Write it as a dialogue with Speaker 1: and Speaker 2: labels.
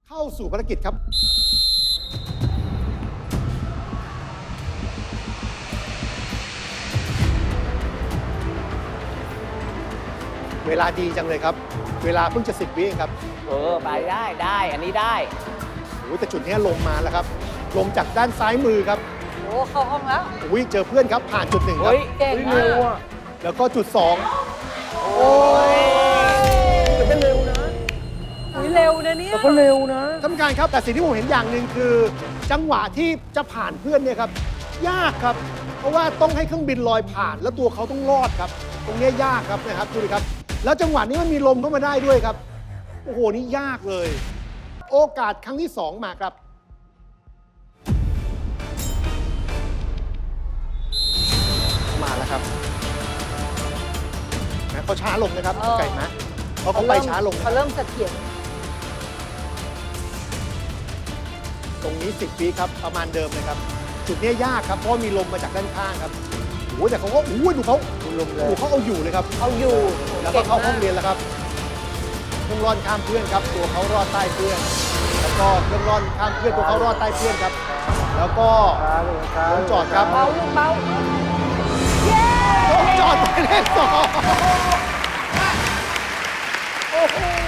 Speaker 1: เข้าสู่ภารกิจครับ เวลาดีจังเลยครับ เวลาเพิ่งจะ10 วิเองครับ
Speaker 2: ไปได้อันนี้ได้
Speaker 1: โอ้ยแต่จุดนี้ลมมาแล้วครับ ลมจากด้านซ้ายมือครับ
Speaker 3: โอ้เข้าห้องแล้ว
Speaker 1: โอ้ยเจอเพื่อนครับ ผ่านจุด 1 ครับ
Speaker 3: เก่งมาก
Speaker 1: แล้วก็จุด 2 โอ้ย
Speaker 4: แต่ก็เร็วนะ
Speaker 3: อุ๊ยเร็วนะเนี่ย
Speaker 4: แต่ก็เร็วนะ
Speaker 1: ท่านผู้การครับ แต่สิ่งที่ผมเห็นอย่างหนึ่งคือ จังหวะที่จะผ่านเพื่อนเนี่ยครับ ยากครับ เพราะว่าต้องให้เครื่องบินลอยผ่าน แล้วตัวเขาต้องรอดครับ ตรงเนี้ยยากครับนะครับดูดิครับ แล้วจังหวะนี้มันมีลมเข้ามาได้ด้วยครับ โอ้โห นี่ยากเลย โอกาสครั้งที่ 2 มาครับ มาแล้วครับนะเขาช้าลงนะครับไก่นะเขาไปช้าลงนะค
Speaker 3: เขา
Speaker 1: รับ
Speaker 3: เริ่มเสถียร
Speaker 1: ตรงนี้10 วิครับประมาณเดิมเลยครับ จุดนี้ยากครับเพราะมีลมมาจากด้านข้างครับโอ้แต่เขาก็โอ้ดูเขา
Speaker 4: ลมแร
Speaker 1: ดู
Speaker 4: ง
Speaker 1: เขาเอาอยู่เลยครับ
Speaker 3: เอาอยู่
Speaker 1: แล้วก็เข้าห้อง
Speaker 3: ก่งม
Speaker 1: เรียนแล้วครับเครื่องร่อนข้ามเพื่อนครับ ตัวเขารอดใต้เพื่อน แล้วก็เครื่องร่อนข้ามเพื่อนตัวเขารอดใต้เพื่อนครับ แล้วก็
Speaker 4: ช้าลงช้า
Speaker 1: ลงจอดครับ
Speaker 3: เบาลูกเบาเย้
Speaker 1: ลงจอดหมายเลข 2
Speaker 3: โอ้โห